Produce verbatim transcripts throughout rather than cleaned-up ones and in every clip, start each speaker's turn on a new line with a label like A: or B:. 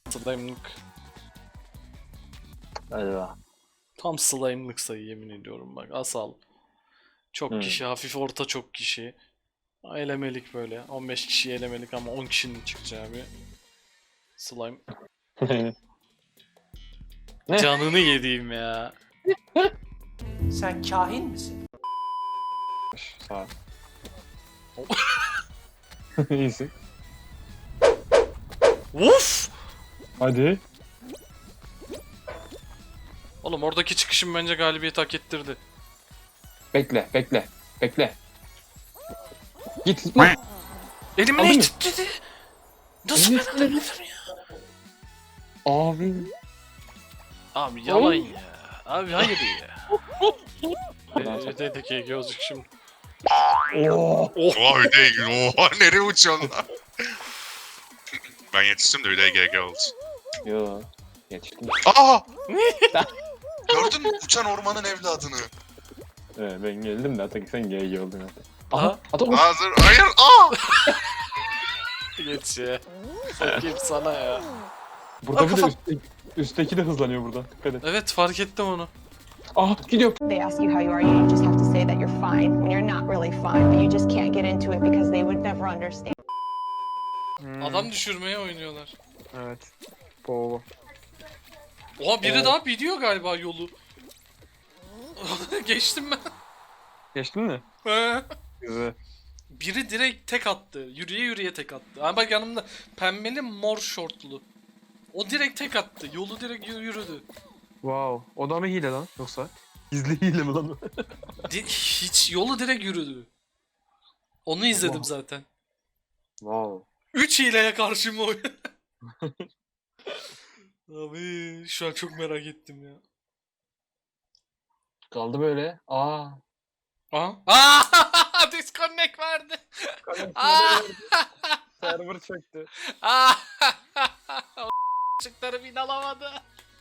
A: Slime'lık.
B: Eyvah.
A: Tam slime'lık sayı yemin ediyorum bak. Asal. Çok
B: Hmm.
A: kişi, hafif orta çok kişi. Elemelik böyle. on beş kişi elemelik ama on kişinin çıkacağı bir slime.
B: Ne?
A: Canını yediğim ya.
C: Sen kahin misin?
B: Sağ ol. İyisin.
A: Uf!
B: Hadi.
A: Oğlum oradaki çıkışım bence galibiyet hak ettirdi.
B: Bekle, bekle, bekle. Git.
A: Elimi
B: Aldın
A: ne
B: mı?
A: titredi? Nasıl
B: Elini
A: ben alabilirim ya?
B: Abi.
A: Abi yalan ya. Abi hayır ya. Eee dedeki gözlük şimdi.
B: Oo.
D: Oha Hüdey, oha nereye uçuyorsun lan? Ben yetiştim de Hüdey G G oldu.
B: Yo. Yetiştim.
D: Aa! Gördün mü uçan ormanın evladını?
B: Evet, ben geldim de Atak sen G G oldun hadi.
A: Aha.
B: Atak
D: Hazır, hayır, aa!
A: Geç ya. Sokayım sana ya.
B: burada bir de
A: kafam.
B: üstteki, üstteki de hızlanıyor burada. Dikkat et.
A: Evet fark ettim onu.
B: Aha gidiyor.
E: They ask you how you are, you just have to say that you're fine when you're not really fine, but you just can't get into it because they would never understand.
A: Adam düşürmeye oynuyorlar.
B: Evet. Polo.
A: Oha biri
B: Oo.
A: daha biliyor galiba yolu. Geçtim ben.
B: Geçtin mi?
A: He.
B: Güzel.
A: Biri direkt tek attı. Yürüye yürüye tek attı. Ha bak yanımda pembeli mor şortlu. O direkt tek attı. Yolu direkt yürü- yürüdü.
F: Wow. O da mı hile lan yoksa? Gizli hile mi lan?
A: Di- hiç yolu direkt yürüdü. Onu izledim zaten.
F: Wow.
A: Üç hileye karşı mı oyun? Abi şu an çok merak ettim ya.
B: Kaldı böyle. Aa.
A: Aa! Aa! Disconnect verdi. Aa!
B: Server çöktü.
A: Aa! O çıkları bin alamadı.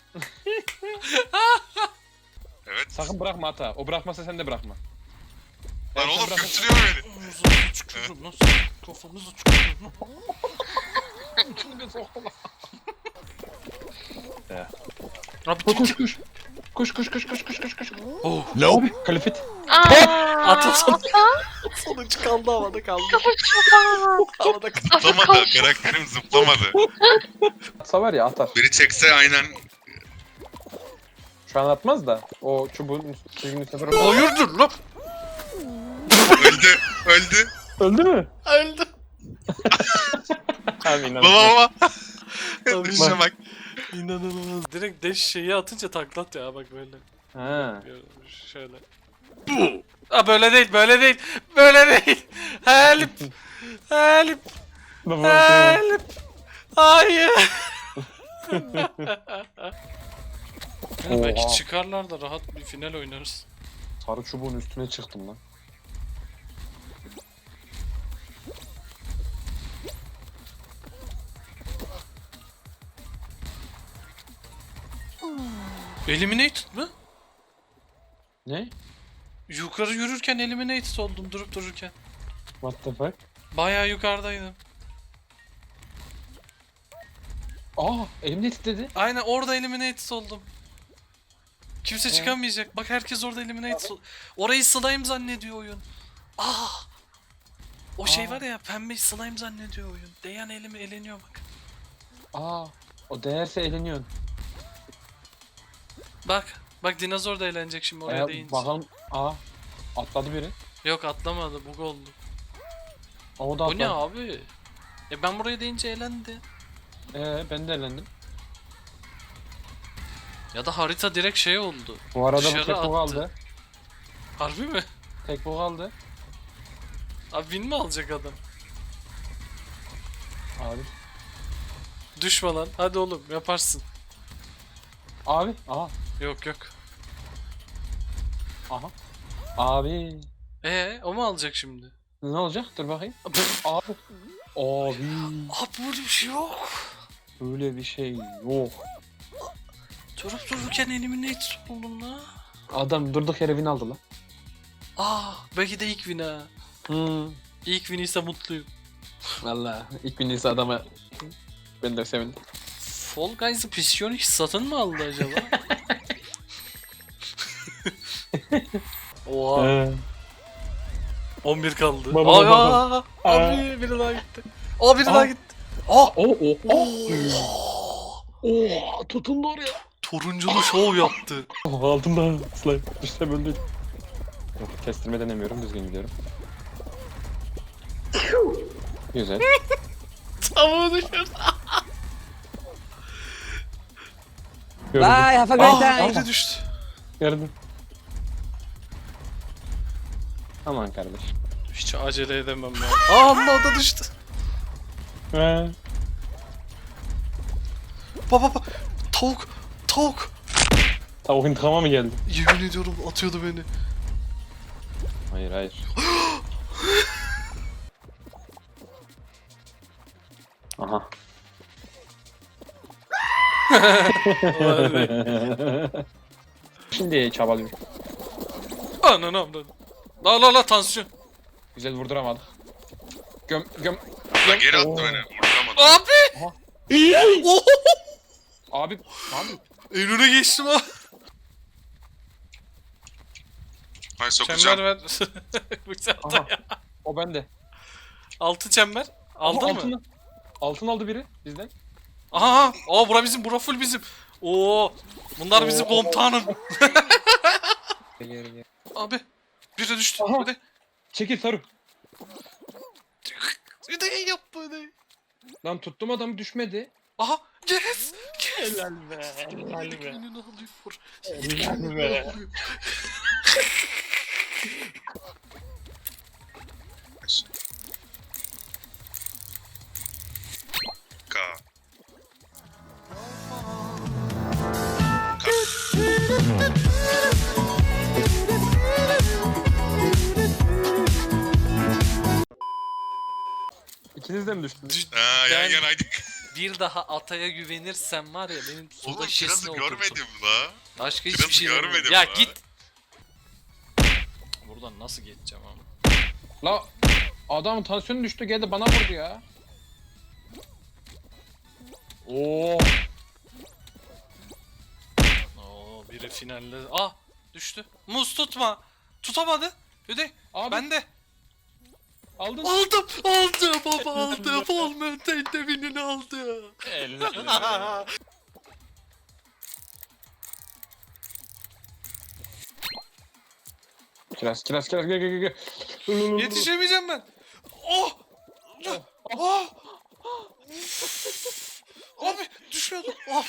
D: Evet.
B: Sakın bırakma Ata. O bırakmasa sen de bırakma.
D: Lan
B: Evet, sen
D: oğlum
B: bırak-
D: götürüyor beni.
A: Kafamızı çıkıyorum nasıl? Kafamızı çıkıyorum. Abi
B: Koş
A: kim
B: koş koş. Koş koş koş koş koş koş koş.
A: Oh!
B: Abi kalifit.
A: Atılsın. Sonuç kaldı havada kaldı. Havada kaldı.
D: Zıplamadı, karakterim zıplamadı.
B: Atsa var ya atar.
D: Biri çekse aynen.
B: Şu an atmaz da. O çubuğun çizginin üstüne.
A: Hayırdır lan?
D: Öldü, öldü.
B: Öldü mü?
A: Öldü.
B: Abi inan.
D: Baba baba.
A: Tabii.
D: Dışa bak.
A: İnanılmaz. Direkt deş şeyi atınca taklat ya bak böyle.
B: Ha.
A: Şöyle. Aa böyle değil, böyle değil. Böyle değil. Help. Help.
B: Baba.
A: Help. Hayır. Yani belki
B: Oha.
A: çıkarlar da rahat bir final oynarız.
B: Sarı çubuğun üstüne çıktım lan.
A: Eliminated mı?
B: Ne?
A: Yukarı yürürken eliminated oldum durup dururken.
B: What the fuck?
A: Bayağı yukarıdaydım.
B: Aa elimde titredi.
A: Aynen orada eliminated oldum. Kimse çıkamayacak. Bak herkes orada eliminated oldu. Orayı slime zannediyor oyun. Ah! O şey
B: Aa.
A: var ya pembe slime zannediyor oyun. Değen elimi eleniyor bak.
B: Aa o değerse eğleniyorsun.
A: Bak. Bak dinozor da eğlenecek şimdi oraya
B: Ee,
A: değince.
B: bakalım. Aa atladı biri.
A: Yok atlamadı. Bug oldu.
B: O da
A: Bu ne
B: atladı.
A: abi? E ben buraya deyince eğlendi.
B: Ee ben de eğlendim.
A: Ya da harita direkt şey oldu.
B: Bu arada
A: Dışarı
B: bu tek bu
A: attı.
B: kaldı.
A: Harbi mi?
B: Tek bu kaldı.
A: Abi win mi alacak adam?
B: Abi.
A: Düşme lan. Hadi oğlum yaparsın.
B: Abi. Aha.
A: Yok yok.
B: Aha. Abi.
A: Ee o mu alacak şimdi?
B: Ne olacak? Dur bakayım. Abi. Abi.
A: Abi böyle bir şey yok.
B: Böyle bir şey yok.
A: Durup dururken eliminated oldum la.
B: Adam durduk yere win aldı lan.
A: Aa belki de ilk win ha.
B: Hmm.
A: İlk win ise mutluyum.
B: Valla ilk win ise adama ben de sevindim.
A: Fall Guys'ı Psionic satın mı aldı acaba? Oha.
B: Ee,
A: on bir kaldı.
B: Baba,
A: Aa,
B: baba.
A: aa, abi biri daha gitti. Aa biri
B: Aa.
A: daha gitti. Aa.
B: o o o. Oha tutundu oraya.
A: Turunculu şov yaptı.
B: Oh, altımda slime. Düşsem öldü. Yok, kestirme denemiyorum, düzgün gidiyorum. Güzel.
A: Tavuğu düşürdü.
B: Gördüm.
G: have a great
A: Aa
G: time.
A: biri düştü.
B: Gördüm. Aman kardeş.
A: Hiç acele edemem ya. Aa Allah o da düştü.
B: Ee,
A: Baba baba. Tavuk. Tavuk.
B: tavuk intikama mı geldi?
A: Yemin ediyorum atıyordu beni.
B: Hayır hayır. Aha. Şimdi çabalıyor.
A: Ananı avradım. La la la tansiyon.
B: Güzel vurduramadık. Göm göm.
D: Lan geri attı
B: Oo.
D: beni. Vuramadım.
A: Abi. Oh!
B: Abi abi.
A: En öne geçtim ha.
D: Hay
A: Çember
D: sokacağım.
A: ver. Bıçak da
B: Aha.
A: ya.
B: O bende.
A: Altı çember. Aldın
B: Aha,
A: mı?
B: altını- Altın aldı biri bizden.
A: Aha. Aa bura bizim. Bura full bizim. Oo. Bunlar bizim
B: Oo.
A: komutanım.
B: Gel gel gel.
A: Abi. Biri düştü.
B: Aha.
A: Bir de.
B: Çekil sarı.
A: Bir de yap böyle.
B: Lan tuttum adamı düşmedi.
A: Aha. Yes. Yes.
B: Helal be. Helal be.
A: Önünü alıyor.
B: Helal be.
D: Ka.
B: İkiniz de mi düştünüz?
A: Düş-
D: Ha yan
A: Ben-
D: yanaydık.
A: Bir daha ataya güvenirsem var ya benim
D: Oğlum
A: suda şişesine
D: kirazı
A: oturturum.
D: görmedim la.
A: Başka hiçbir
D: Kirazı
A: şey
D: görmedim
A: görmedim. Ya
D: la.
A: git. Buradan nasıl geçeceğim ama?
B: La adamın tansiyonu düştü geldi bana vurdu ya. Oo.
A: Oo biri finalde. Ah düştü. Muz tutma. Tutamadı. Öde.
B: Abi
A: Ben de.
B: aldın.
A: Aldım. Aldım baba aldım. Olmayan devinini aldı.
B: Kiraz kiraz kiraz gel gel gel. gel.
A: Yetişemeyeceğim ben. Oh. Oh. Abi düşüyordum. Abi.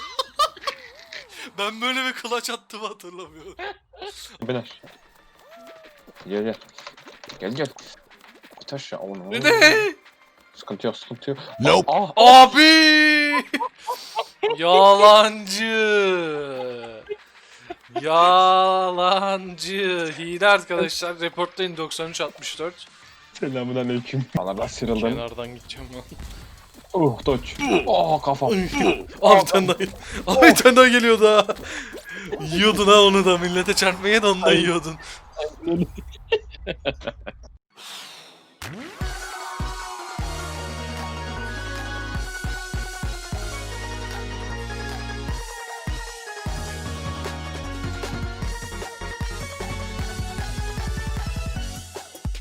A: Ben böyle bir kılaç attığımı hatırlamıyorum.
B: Biner. Gel gel. Gel gel. Git aşağı oğlum.
A: Ne?
B: Sıkıntı yok sıkıntı yok.
H: Nope.
B: Ah, ah.
A: Abi! Yalancı. Yalancı. Hile arkadaşlar. Reportlayın doksan üç altmış dört.
B: Selamun aleyküm. Bana da sıyrıldım.
A: Kenardan gideceğim ben.
B: Oh doç. Oh kafam.
A: Abi bir tane daha. Abi bir tane daha geliyordu ha. Yiyordun ha onu da millete çarpmaya da onu da yiyordun.